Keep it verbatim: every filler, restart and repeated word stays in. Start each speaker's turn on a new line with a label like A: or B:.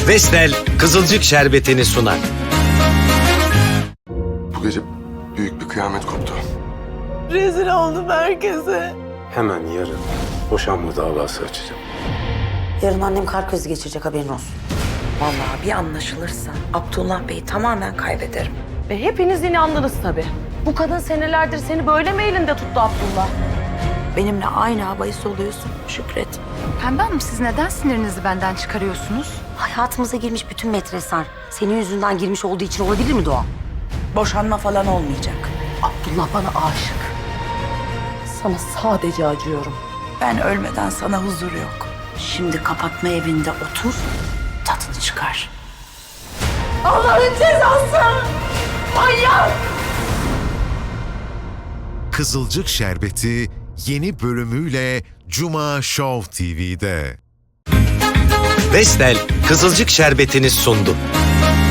A: Vestel Kızılcık Şerbeti'ni sunar.
B: Bu gece büyük bir kıyamet koptu.
C: Rezil oldum herkese.
D: Hemen yarın boşanma davası açacağım.
E: Yarın annem kalp krizi geçirecek, haberin olsun.
F: Vallahi bir anlaşılırsa Abdullah Bey'i tamamen kaybederim.
C: Ve hepiniz inandınız tabii. Bu kadın senelerdir seni böyle mi elinde tuttu Abdullah?
F: Benimle aynı havayı soluyorsun Şükret.
G: Pembe Hanım, siz neden sinirinizi benden çıkarıyorsunuz?
E: Hayatımıza girmiş bütün metresler senin yüzünden girmiş olduğu için olabilir mi Doğa?
F: Boşanma falan olmayacak.
C: Abdullah bana aşık. Sana sadece acıyorum.
F: Ben ölmeden sana huzur yok. Şimdi kapatma evinde otur, tadını çıkar.
C: Allah'ın cezası! Manyak!
H: Kızılcık Şerbeti yeni bölümüyle Cuma Show T V'de.
A: Vestel Kızılcık Şerbeti'ni sundu.